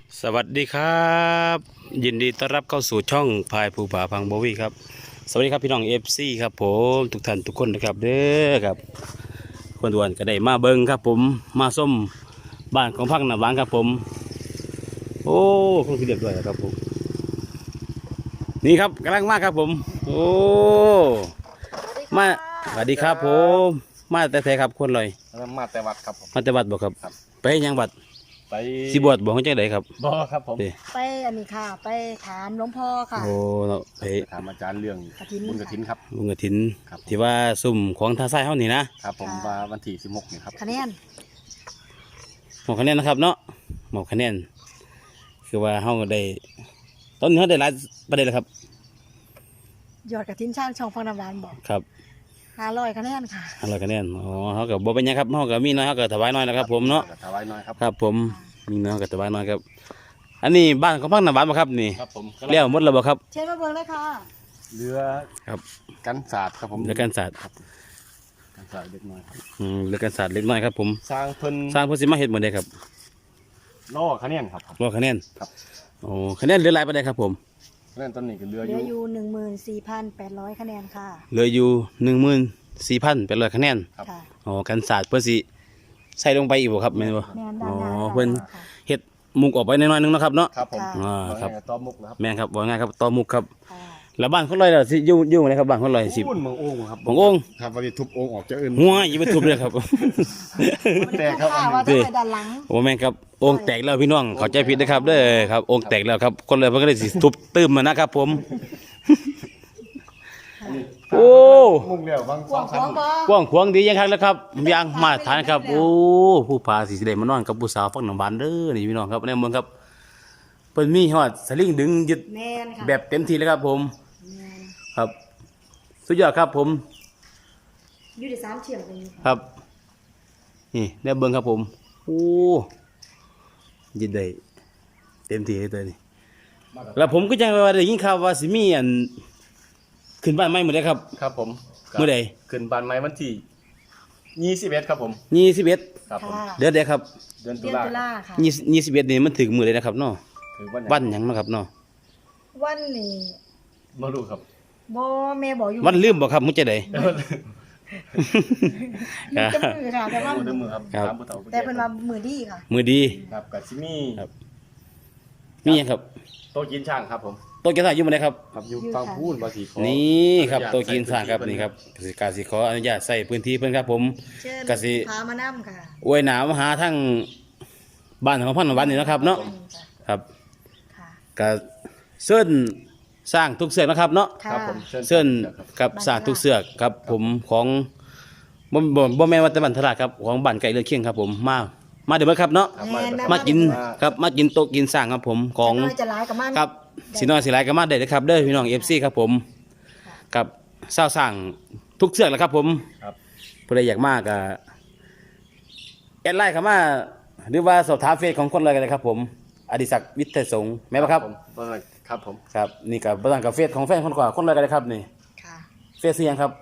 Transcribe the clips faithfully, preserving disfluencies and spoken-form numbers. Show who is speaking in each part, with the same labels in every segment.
Speaker 1: สวัสดีครับ ยินดีต้อนรับเข้าสู่ช่องพายภูผาพังโบวี่ครับสวัสดีครับพี่น้องเอฟซีครับผมทุกท่านทุกคนนะครับเด้อครับคนด่วนก็ได้มาเบิ้งครับผมมาส้มบ้านของพังหนาหวานครับผมโอ้คงคือเรียบร้อยแล้วครับผมนี่ครับกำลังมาครับผมโอ้มาสวัสดีครับผมมาแต่แต่ครับคนลอย
Speaker 2: มาแต่วัดครับผม
Speaker 1: มาแต่วัดบอกครับ
Speaker 2: ครับ
Speaker 1: ไปยังวัด
Speaker 2: ไป
Speaker 1: สิบวชบอกเขาจังไดครับ
Speaker 2: บ่ครับผม
Speaker 1: เด้
Speaker 3: ไปอันนี้ค่ะ ไปถามหลวงพ่อค่ะ
Speaker 1: โอ้เนาะไป
Speaker 2: ถามอาจารย์เรื่อง
Speaker 3: กฐิน
Speaker 2: บุญกฐินครับ
Speaker 1: ลุงกฐิน
Speaker 2: ครับ
Speaker 1: ที่ว่าซุ่มของทางซ้ายเฮานี่นะครับ
Speaker 2: ผมว่าวันที่สิบหกนี่ครับ
Speaker 3: คะแนน
Speaker 1: หมอกคะแนนนะครับเนาะหมอกคะแนนคือว่าเฮาก็ได้ตอนนี้เฮาได้หลายประเด็นแล้วครับ
Speaker 3: ยอดกระถินช่างช่องฟังน้ำหวานบอก
Speaker 1: ครับ
Speaker 3: ห้าร้อยคะแนนค่ะ
Speaker 1: ห้าร้อยคะแนนอ๋อเฮาก็บ่เป็นหยังครับเฮาก็มีน้อยเฮาก็ถวายน้อยนะครับผมเนาะ
Speaker 2: ถวายน้อยครับ
Speaker 1: ครับผมมีน้อยเฮาก็ถวายน้อยครับ อันนี้บ้านของพังน้ำหวานบ่ครับนี่
Speaker 2: ครับผม
Speaker 1: เลี้ยวหมดแล้วบ่ครับ
Speaker 3: เชิญมาเบิ่งเลยค่ะ
Speaker 2: เรือ
Speaker 1: ครับ
Speaker 2: กันศาสตร์ครับผม
Speaker 1: เรือกันศาสตร์
Speaker 2: กันศาสตร์เล็กน้อยครับ
Speaker 1: อืมเรือกันศาสตร์เล็กน้อยครับผม
Speaker 2: สร้างเพิ่น
Speaker 1: สร้างเพิ่นสิมาเฮ็ดมื้อใดครับ
Speaker 2: ล่อคะแนนครับผม
Speaker 1: รอคะแนน
Speaker 2: ครับ
Speaker 1: โอ้คะแนนเหลือหลายปานใดครับผม
Speaker 2: คะแนนตอนนี้ก็เรือ
Speaker 3: เห
Speaker 2: อ
Speaker 3: ลื
Speaker 2: ยู่
Speaker 3: ออยู่หนึ่งหมื่นสี่พันแปดร้อยคะแนนค่ะ
Speaker 1: เหลืออยู่หนึ่งหมื่นสี่พันแปดร้อยคะแนน
Speaker 2: ครับ
Speaker 3: ค่ะ
Speaker 1: อ๋อกันศาสตร์เพื่อสิใส่ลงไปอีกบ่ครับแม่นบ่
Speaker 3: แมน
Speaker 1: อ๋
Speaker 3: ด้านหน้า
Speaker 1: อเพิ่น
Speaker 3: ค่ะ
Speaker 1: เฮ็ดมุกออกไปหน่อยๆนึงเนาะครับเนาะ
Speaker 2: ครับผม
Speaker 1: อ่าครับ
Speaker 2: ว่าไงต้อมุกนะครับ
Speaker 1: แม่นครับว่าไงครับต่อมุกครับ
Speaker 3: ค่ะ
Speaker 1: แล้วบ้านคนลอยล่ะสิอยู่อยู่ไหนครับบ้านคนลอยสิ
Speaker 2: พูนเมืองโอ่งครับ
Speaker 1: ของโอ่ง
Speaker 2: ครับวันนี้ทุบโอ่งออกจะอื่น
Speaker 1: หัวอย่าไปทุบเลยครับ
Speaker 2: แตกครับ
Speaker 3: ค่ะว่าจะไปด้านหลัง
Speaker 1: โอ้แม่นครับโอ่งแตกแล้วพี่น้องเข้าใจผิดนะครับเด้อครับโอ่งแตกแล้วครับคนลอยเพิ่นก็เลยสิทุบตื้มมานะครับผม โอ้
Speaker 2: มุกเดียวบาง
Speaker 3: กวางขวางบ่
Speaker 1: กว้างขวางดียังครับแล้วครับยังมาตรฐานครับโอ้ผู้พาสิได้มานอนกับผู้สาวฟังน้ำบานเด้อนี่พี่น้องครับในเมืองครับเพิ่นมีฮอดสลิงดึงยึด
Speaker 3: แมนค่ะ
Speaker 1: แบบเต็มที่เลยครับผม
Speaker 3: แมน
Speaker 1: ครับสุดยอดครับผม
Speaker 3: อยู่ที่สามเฉียงตรงนี้
Speaker 1: ครับนี่ได้เบิ่งครับผมโอ้ยินได้เต็มที่เลยตัวนี้แล้วผมก็ยังว่าได้ยินข่าวว่าสิมีอันขึ้นบ้านใหม่มื้อใดครับ
Speaker 2: ครับผม
Speaker 1: มื้อใด
Speaker 2: ขึ้นบ้านใหม่วันที่ยี่สิบเอ็ดครับผม
Speaker 1: ยี่สิบเอ็ด
Speaker 2: ครับผม
Speaker 3: ค่ะ
Speaker 1: เดือนใดครับ
Speaker 2: เดือนตุ
Speaker 3: เดือน
Speaker 2: ลา
Speaker 3: ตุลาค่ะ
Speaker 1: ยี่ยี่สิบเอ็ดนี่มันถึงมื้อใดนะครับเนาะ
Speaker 2: ถือวันไหน
Speaker 1: วันหยังเนาะครับเนาะ
Speaker 3: วันนี้
Speaker 2: มาดูครับ
Speaker 3: บ่แม่บอกอยู่
Speaker 1: วันลืมบ่ครับมื้อจะใด
Speaker 3: อยู่กับมือค่ะแต่ว่า
Speaker 2: มือเดิมมือครับ
Speaker 1: ครับ
Speaker 2: ตามผู้เฒ่าผู้
Speaker 3: แต่
Speaker 2: แก่
Speaker 3: เป็นว่ามือดีค่ะ
Speaker 1: มื้อดี
Speaker 2: ครับกับซิมี่
Speaker 1: ครับ มีหยังครับ
Speaker 2: โต๊ะกินช่างครับผม
Speaker 1: โต๊ะกินข้าวอยู่มื้อใดครับ
Speaker 2: ครับอยู่ฟังพูนบาสีขอ
Speaker 1: นี่ครับ
Speaker 2: อนุญาต
Speaker 1: โต๊ะกินสร้างครับ
Speaker 2: ใส่พื้นที่
Speaker 1: นี่ครับกสิการสิขออนุญาตใส่พื้นที่เพิ่นครับผม
Speaker 3: เชิญ
Speaker 1: กสิ
Speaker 3: พามานํค่ะ
Speaker 1: อวยหนาวมาหาทั้งบ้านของพันวันนี่นะครับเนาะ
Speaker 3: อืมจ้ะ
Speaker 1: ครับ
Speaker 3: ค่ะ
Speaker 1: ก็เส้นสร้างทุกเสือกนะครับเนาะ
Speaker 3: ค่ะ
Speaker 2: ครับผม
Speaker 1: เส้น
Speaker 2: ครับ
Speaker 1: กับสร้างทุกเสือกครับผมของบ่บ่บ่แม่นว่าแต่บันทราดครับของบ้านไก่เลือดเคียงครับผมมามาเดี๋ยวมาครับเนาะ
Speaker 2: ครับ
Speaker 3: แม่น
Speaker 2: มา
Speaker 1: มากินครับมากินโต๊ะกินสร้างครับผมของ
Speaker 3: จะน้อยจะหลายกับมัน
Speaker 1: ครับสีน้อยสีหลายก็มาได้เลยครับเด้อพี่น้อง เอฟ ซี ครับผมกับเศร้าสร้างทุกเสือกแหละครับผม
Speaker 2: ครับ
Speaker 1: ผู้ใดอยากมากก็แอดไลน์เข้ามาหรือว่าสอบถามเฟซของคนเลยกันเลยครับผมอดิศักดิ์วิทย์ไทยสงฆ์แม่นบ่ครับ
Speaker 2: ผมครับผม
Speaker 1: ครับนี่กับประธานกับเฟซของแฟนคนกว่าคนเลยกันเลยครับนี่
Speaker 3: ค่ะ
Speaker 1: เฟซเสียงครับ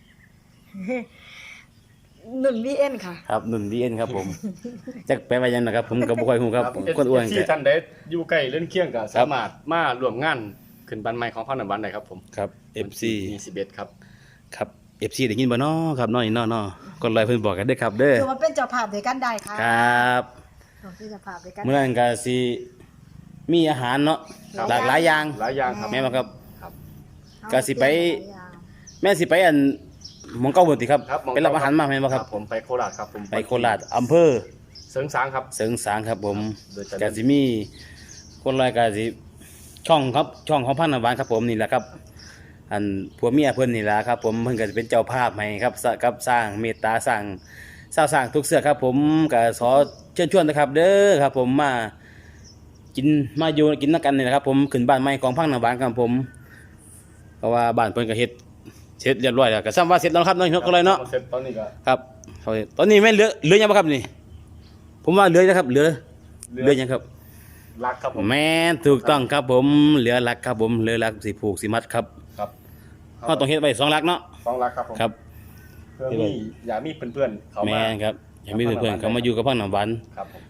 Speaker 3: หนุนวีเอ็นค่ะ
Speaker 1: ครับหนุ่นดีเอ็นครับผมจักแปลว่าหยังนะครับผมกับบุคคลหูครับคนอ้วน
Speaker 2: ที่
Speaker 1: ก็
Speaker 2: ท่านได้อยู่ใกล้เล่นเคียงกับสามารถมาร่วมงานขึ้นบ้านใหม่ของพันธุ์บ้านใดครับผม
Speaker 1: ครับ เอฟ ซี
Speaker 2: ยี่สิบเอ็ดครับ
Speaker 1: ครับ เอฟ ซี ได้ยินบ่น้อครับน้อยน้อน้อคนเลยเพิ่นบอกกันเด้อครับเด้อ
Speaker 3: คือมันเป็นเจ้าภาพด้วยกันได้ค่ะ
Speaker 1: ครับ
Speaker 3: เราเป็นเจ้าภาพด้วยกัน
Speaker 1: เมื่อนั้นก็สิมีอาหารเนาะ
Speaker 3: ครับ
Speaker 1: หลากหลายอย่าง
Speaker 2: หลายอย่างครับ
Speaker 1: แม่นบ่ครับ
Speaker 2: ครับ
Speaker 1: ก็สิไป แม่นสิไปอันหมองเก้าบ่ติครับ
Speaker 2: ครับหม้อง
Speaker 1: ไปรับอาหารมาแม่นบ่ครับ
Speaker 2: ผมไปโคราชครับผม
Speaker 1: ไปโคราชอำเภอ
Speaker 2: เสริงสางครับ
Speaker 1: เสริงสางครับผม
Speaker 2: โดยจะ
Speaker 1: ก็สิมีคนลอยก็สิช่องครับช่องของพันธุ์หวานครับผมนี่แหละครับ อันผัวเมียเพิ่นนี่ล่ะครับ ผมเพิ่นก็จะเป็นเจ้าภาพให้ครับสกับสร้างเมตตาสร้างสร้างสร้างทุกเสือครับ ผมก็ขอเชิญชวนนะครับ เด้อครับ ผมมากินมาอยู่กินนักกันนี่นะครับ ผมขึ้นบ้านใหม่ของพังหนาบานครับผม เพราะว่าบ้านเพิ่นก็เฮ็ดเสร็จเรียบร้อยแล้วก็ซ้ำว่าเสร็จแล้วครับน้อยก็เลยเนาะ
Speaker 2: เสร็จตอนนี้ก็
Speaker 1: ครับเขาตอนนี้แม่นเหลือเหลือยังบ่ครับนี่ ผมว่าเหลือนะครับเหลือเหลือยังครับ
Speaker 2: รักครับผม
Speaker 1: แม่นถูกต้องครับผมเหลือหลักครับผมเหลือหลักสิผูกสิมัดครับ
Speaker 2: ครับ
Speaker 1: เราต้องเฮ็ดไว้สองหลักเนาะ
Speaker 2: ต้องรักครับผม
Speaker 1: ครับ
Speaker 2: เพื่อมีอย่ามีเพื่อนๆเขา
Speaker 1: แม่
Speaker 2: มาน
Speaker 1: ครับอย่ามีเพื่อนๆเขามาอยู่กับพังหนองบัน
Speaker 2: ครับผม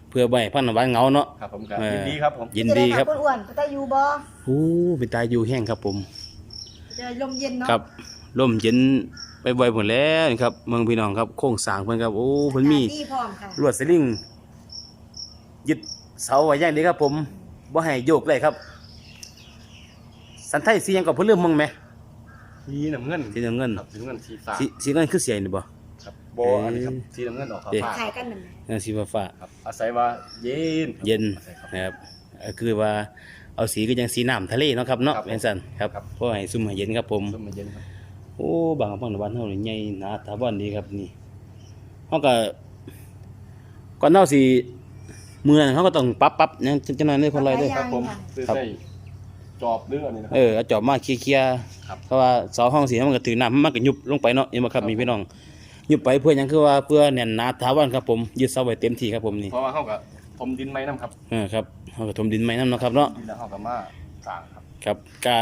Speaker 1: เพื่อบ่ให้พันธุ์บ้านเหงาเนาะ
Speaker 2: ครับผมก็
Speaker 1: เออ
Speaker 2: ยินดีครับผม
Speaker 1: ยินดีครับ
Speaker 3: จะไมาอ้วนๆก็ได้อยู่บ่
Speaker 1: โอ้เป็นตาอยู่แห้งครับผม
Speaker 3: จะได้ลมเย็นเนาะ
Speaker 1: ครับลมเย็นไปบ่อยหมดแล้วนี่ครับเมืองพี่น้องครับโค้งสร้างเพิ่นครับโอ้เพิ่นมี
Speaker 3: อากาศดีพร้อมค่ะ
Speaker 1: ลวดสลิงยึดเสาไว้อย่างดีครับผมบ่ให้โยกเลยครับ สันไทยสีหยังก็เพิ่นลืมมึงไหม
Speaker 2: สีน้ำเงิน
Speaker 1: สีน้ำเงิน
Speaker 2: ครับสีน้ำเงินสีฟ้า
Speaker 1: สีสีเงินคือเสียนี่บ่
Speaker 2: ครับโบอันนี้ครับสีน้ำเงินออก
Speaker 1: เอ๊ะ
Speaker 2: ฟ้า
Speaker 3: ขายกันนั่นแหละ
Speaker 1: เออสีฟ้า
Speaker 2: ๆครับอาศัยว่าเย็นครับ
Speaker 1: ๆเย็น
Speaker 2: อาศัยครับ
Speaker 1: นะครับเอ่อคือว่าเอาสีก็ยังสีน้ำทะเลเนาะครับเนาะ
Speaker 2: ครับผม
Speaker 1: เป็นสันครับ
Speaker 2: ครับ
Speaker 1: เพราะให้ซุ่มให้เย็นครับผม
Speaker 2: ส้มมันเย็นครับ
Speaker 1: โอ้บางพังในบ้านเฮานี่ใหญ่หนาตาบ้านดีครับนี่เฮาก็ก่อนเฮาสิมื้อนั้นเฮาก็ต้องปรับปรับหยังจังหน่อยเด้อคนไรเด้อ
Speaker 2: ครับผมซื้อ
Speaker 1: ครับ
Speaker 2: ใส่จอบเรืออันนี้นะครั
Speaker 1: เออเอาจอบมาเคลียร์ๆ
Speaker 2: ครับ
Speaker 1: เพราะว่าเสาห้องสีมันก็ถือน้ำมันก็ยุบลงไปเนาะเห็นบ่ครับมีพี่น้องยุบไปเพื่อหยังคือว่าเพื่อแน่นหนาถาวรครับผมยึดเสาไว้เต็มที่ครับผมนี่
Speaker 2: เพราะว่าเขากับผมดินไม้น้ำครับ
Speaker 1: เออครับเฮาก็ถมดินใหม่นํเนาะครับเนาะ
Speaker 2: ดินแล้วเขากับมาสร้างครับ
Speaker 1: ครับก็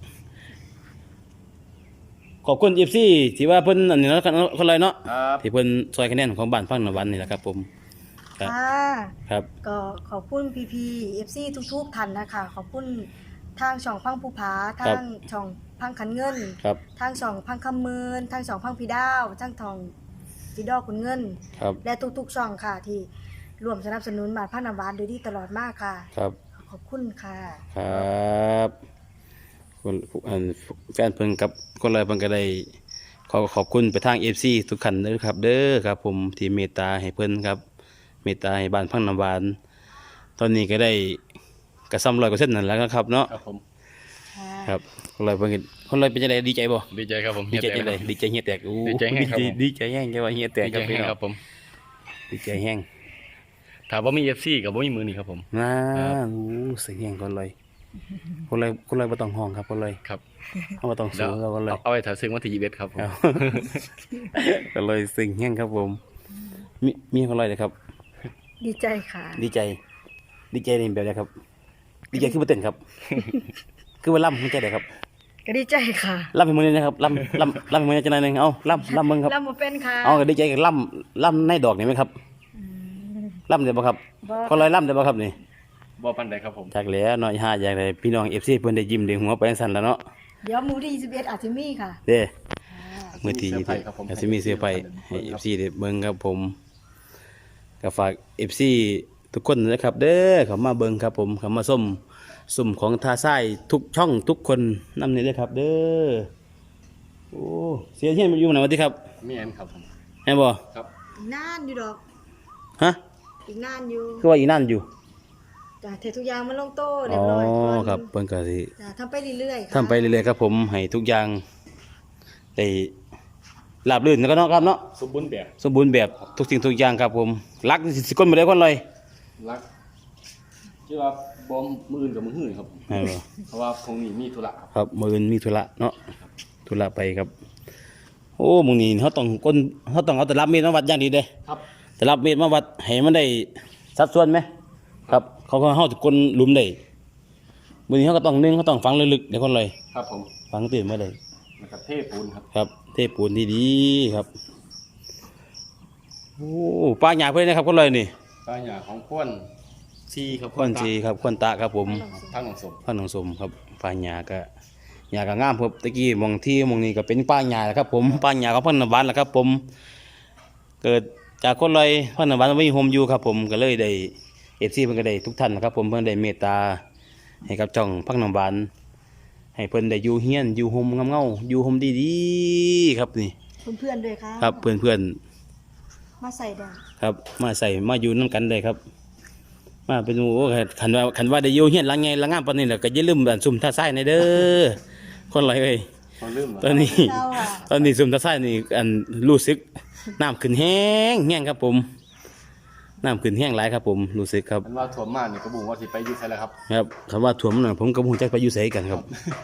Speaker 1: ขอบคุณ เอฟ ซี ที่ว่าเพิ่นอันนี้เนาะคนไรเนาะ
Speaker 2: ครับ
Speaker 1: ที่เพิ่นช่วยคะแนนของบ้านพังนวันนี่แหละครับผมครับ
Speaker 3: ค่ะ
Speaker 1: ครับ
Speaker 3: ก็ขอบคุณพีพีเอฟซีทุกๆท่านนะคะขอบคุณทางช่องพังภูผาทางช่องพังขันเงิน
Speaker 1: ครับ
Speaker 3: ทางช่องพังคำมืนทางช่องพังพีดาวทางทองจีดอกคุณเงิน
Speaker 1: ครับ
Speaker 3: และทุกๆช่องค่ะที่ร่วมสนับสนุนบาทพันนาวานโดยดีตลอดมากค่ะ
Speaker 1: ครับ
Speaker 3: ขอบคุณค่ะ
Speaker 1: ครับคนอันแฟนเพิ่นกับคนไรเพิ่นก็ได้ขอขอบคุณไปทาง เอฟ ซี ทุกท่านเด้อครับ เด้อครับผมที่เมตตาให้เพิ่นครับ เมตตาให้บ้านพังน้ำหวาน ตอนนี้ก็ได้กระซ้ำร้อยกว่าเส้นนั่นแหล้วครับเนาะ
Speaker 2: ครับผม
Speaker 3: ค่ะ
Speaker 1: ครับคนไรเพิ่นก็คนไรเป็นจังไดดีใจบ่
Speaker 2: ดีใจครับผม
Speaker 1: ดีใจจังไดดีใจเฮียแตกอู้
Speaker 2: ดีใจแห้งครับผม
Speaker 1: ดีใจแห้งจังว่าเฮียแตก
Speaker 2: ดีใจ
Speaker 1: ครับพี่
Speaker 2: แห้ง
Speaker 1: น้อง
Speaker 2: ครับผม
Speaker 1: ดีใจแห้ง
Speaker 2: ถามว่ามีเอฟซีกับว่ามีมือนี่ครับผม
Speaker 1: น่า
Speaker 2: ครับ
Speaker 1: อู้เสียงแห้งคนไรคนไรคนไรบ่ต้องห้องครับคนไร
Speaker 2: ครับ
Speaker 1: เฮาบ่ต้องสู้ครับคนไร
Speaker 2: เอาเอาไว้ถ่ายซึ่งวันที่ยี่สิบเอ็ดครับผม
Speaker 1: ครับ ก็เลยสิ่งแห้งครับผม มีมีคนไรเลยครับ
Speaker 3: ดีใจค่ะ
Speaker 1: ดีใจ ดีใจในแบบไหนครับ ดีใจคือมาเต้นครับ คือว่าล่ำมันใจไดครับ
Speaker 3: ก็ดีใจค่ะ
Speaker 1: ล่ำให้มือนี้นะครับล่ำล่ำล่ำให้มือนี้จะหนอยหนึงเอาล่ำล่ำมึงครับ
Speaker 3: ลำบ่เป็นค่ะ
Speaker 1: เอาก็ดีใจกับล่ำล่ำในดอกนี่ไหมครับ
Speaker 3: อืม
Speaker 1: ล่ำได้บ่ครับ
Speaker 3: บ่
Speaker 1: คนไรล่ำได้บ่ครับนี่
Speaker 2: บ่ปันใดครับผม
Speaker 1: จากแหล้วเนาะห้าอย่างไรพี่น้อง เอฟ ซี เพิ่นได้ยิ้มได้หัวไปจังซั่นแล้วเนาะ
Speaker 3: เดี๋ยวหมูที่ยี่สิบเอ็ดอาจจะมีค่ะ
Speaker 1: เด้
Speaker 3: ค่ะ
Speaker 1: มื้อที่
Speaker 2: เสื้อผ้าครับผม
Speaker 1: อาจสิมีเสื้อผ้าให้ เอฟ ซี ได้เบิ่งครับผมก็ฝาก เอฟ ซี ทุกคนนะครับ เด้อเข้ามาเบิ่งครับผมเข้ามาส้มสุ่มของทาซ้ายทุกช่องทุกคนนำนี่เด้อครับ เด้อโอ้เสียเฮียนอยู่ไหนวะติครับ
Speaker 2: มีอันครับผม
Speaker 1: แม่นบ่
Speaker 2: ครับ
Speaker 3: อีกนานอยู่ดอก
Speaker 1: ฮะ
Speaker 3: อีกนานอยู่
Speaker 1: คือว่าอีนั่นอยู่
Speaker 3: จ้ะเททุกอย่างมันลงโต้เรี
Speaker 1: อ๋
Speaker 3: ย
Speaker 1: อบ
Speaker 3: ร้อยก่อน
Speaker 1: ครับเพิ่นก็สิ
Speaker 3: จ้ะทำไปเรื่อยๆค่ะ
Speaker 1: ทำไปเรื่อยๆครับผมให้ทุกอย่างได้ราบรื่นแล้วก็เนาะครับเนาะ
Speaker 2: สมบูรณ์แบบ
Speaker 1: สมบูรณ์แบบทุกสิ่งทุกอย่างครับผมรักสิสิก้นมาได้คนเลย
Speaker 2: รักชื่อว่าบอมมืออื่นกับมือหื่นครับผม
Speaker 1: เออ
Speaker 2: เพราะว่าคงนี้มีธุระครับ
Speaker 1: ครับมืออื่นมีธุระเนาะธุระไปครับ โอ้มึงนี่เขาต้องก้นเขาต้องเอาแต่รับมีดมาวัดอย่างดีเด้
Speaker 2: ครับ
Speaker 1: แต่รับมีดมาวัดให้มันได้สัดส่วนไหมครับเขาก็เขาจะก้นหลุมได้มือนี้เขาก็ต้องนึ่งเขาต้องฝังลึกๆเดี๋ยวคนเลย
Speaker 2: ครับผม
Speaker 1: ฝังตื่นมาเลย
Speaker 2: นะครับเทปูนครับ
Speaker 1: ครับ เทปูนดีๆครับโอ้ป้าหยาเพื่อนนะครับคนเลยนี่
Speaker 2: ป้าหยาของควนซีครับ
Speaker 1: ควนจีครับควนตาครับผม
Speaker 2: ทางหนองสม
Speaker 1: ป้าหนองสมครับป้าหยาก็หยาก็งามครับตะกี้มองที่มองนี้ก็เป็นป้าหยาแหละครับผมป้าหยาของพันนวันแหละครับ ผม เกิดจากคนเลยพันนวันไม่มีโฮมอยู่ครับ ผมก็เลยได้เอฟซีเพิ่นก็ได้ทุกท่านนะครับ ผมเพิ่นได้เมตตาให้กับจ่องพักนวันให้เพิ่นได้อยู่เฮียนอยู่โฮมเงาๆอยู่โฮมดีๆครับนี่
Speaker 3: เพื่อนๆด้วยค่ะ
Speaker 1: ครับเพื่อนๆ
Speaker 3: มาใส่ดอก
Speaker 1: ครับมาใส่มาอยู่น้ำกันเลยครับ มาเป็นโอ้ขันว่าขันว่าได้อยู่เฮียนหลังไงหลังงามปานนี้แหละก็อย่าลืมอันซุ่มท่าไส้ในเด้อ คนไรเอ้ย
Speaker 2: เขาลืมเหรอ
Speaker 1: ตอนนี้
Speaker 3: เจ้าค่ะ
Speaker 1: ตอนนี้ซุ่มท่าไส้นี่อันรู้สึกน้ำขึ้นแห้งแห้งครับผมน้ำขึ้นแห้งหลายครับผมรู้สึกครับ
Speaker 2: มันว่าถ่วมมากนี่กระบุงว่าสิไปอยุ่ใช่แล้วครับ
Speaker 1: ครับคำว่าถ่วมหน่อยผมกับหูจักไปอยู่ไสกันครับ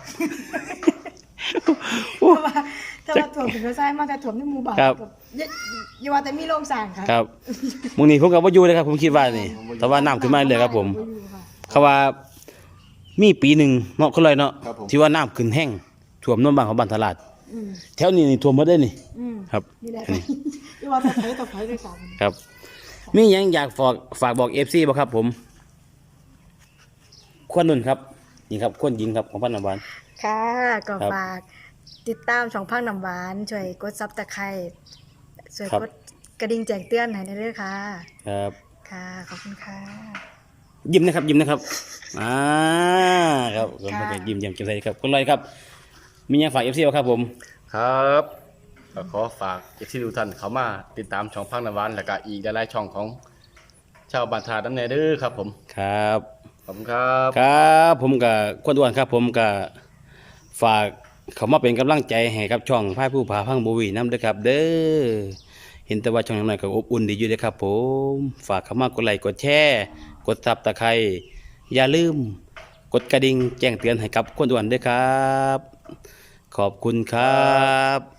Speaker 3: ถ้าว่าถ้าว่าถ่วมถึงก็ใช่มาแต่ถ่วมในหมู่บ้าน
Speaker 1: ครับ
Speaker 3: กัอย่าอย่าว่าแต่มีโรงสั่งค่ะ
Speaker 1: ครับมึงนี่ผมกับว่าอยู่เลยครับผมคิดว่านี่แต่ว่าน้ำขึ้นมาเลยครับผม
Speaker 3: บ่อยู่ค่ะ
Speaker 1: เขาว่ามีปีหนึ่งเนาะคนไรเนาะ
Speaker 2: ครับผม
Speaker 1: ที่ว่าน้ำขึ้นแห้งท่วมน้ำบางของบ้านตลาด
Speaker 3: อืม
Speaker 1: แถวนี้นี่ท่วมหมดได้นี่
Speaker 3: อืม
Speaker 1: ครับ
Speaker 3: นี่แหละค่ะอย่าว่าแต่ไผต่อไผด้วยกัน
Speaker 1: ครับมีหยังอยากฝากฝากบอก เอฟ ซี บ่ครับผมควรนุ่นครับนี่ครับควรหญิงครับของพันน้ำหวาน
Speaker 3: ค่ะก็
Speaker 1: ครับ
Speaker 3: ฝากติดตามช่องพังน้ำหวานช่วยกดซับตะไคร้ช่วย
Speaker 1: ครับ
Speaker 3: กดกระดิ่งแจ้งเตือนให้ได้ด้วยค่ะ
Speaker 1: ครับ
Speaker 3: ค่ะ ขอบคุณค่ะ
Speaker 1: ยิ้มนะครับยิ้มนะครับอ่าครับผม
Speaker 3: ค่ะ
Speaker 1: ยิ้มยิ้มแจ่มใสครับคุณลอยครับ มีหยังฝาก เอฟ ซี บ่ครับผม
Speaker 2: ครับก็ขอฝากเอฟซีทุกท่านเข้ามาติดตามช่องพังนวานแล้วก็อีกหลายๆช่องของชาวบ้านทาดำเนินเด้อครับผม
Speaker 1: ครับ
Speaker 2: ขอบคุณครับ
Speaker 1: ครับผมกับควรอ้วนครับ ผมกับฝากเขามาเป็นกำลังใจให้กับช่องพายผู้ผาพังโบวีน้ำเด้อครับ เด้อเห็นแต่ว่าช่องน้อยก็อบอุ่นดีอยู่เด้อครับ ผมฝากเข้ามากดไลค์กดแชร์กดซับตะไคร้อย่าลืมกดกระดิ่งแจ้งเตือนให้กับควรอ้วนด้วยครับ ขอบคุณครับ